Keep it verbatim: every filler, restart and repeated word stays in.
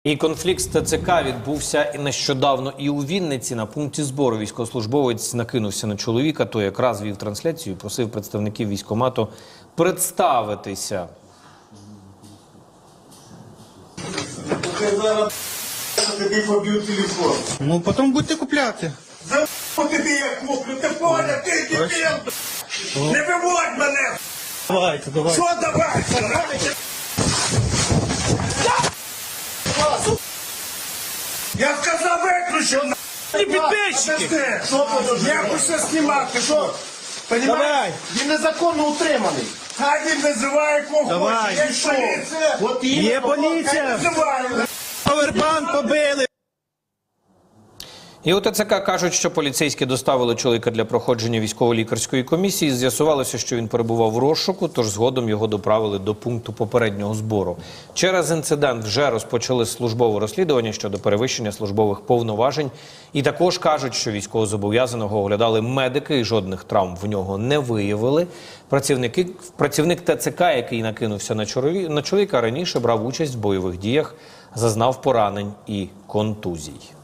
І конфлікт з ТЦК відбувся нещодавно і у Вінниці. На пункті збору військовослужбовець накинувся на чоловіка, той якраз вів трансляцію і просив представників військкомату представитися. Я зараз тобі поб'ю телефон. Ну, потім будете купляти. За тобі я куплю, ти поняв, ти дебіл! Не виводь мене! Давайте, давайте. Що давайте? Я сказав виключив, на! Не підписчики! Що подожди? Я хочу знімати, що? Понімаєш? Давай. Він незаконно утриманий. Хай він називає кого Давай. хоче. Є Що? поліція. От Є іменно, поліція! Називає. Повербанк побили! І у ТЦК кажуть, що поліцейські доставили чоловіка для проходження військово-лікарської комісії. З'ясувалося, що він перебував в розшуку, тож згодом його доправили до пункту попереднього збору. Через інцидент вже розпочали службове розслідування щодо перевищення службових повноважень. І також кажуть, що військовозобов'язаного оглядали медики і жодних травм в нього не виявили. Працівники, працівник ТЦК, який накинувся на, чолові, на чоловіка, раніше брав участь в бойових діях, зазнав поранень і контузій.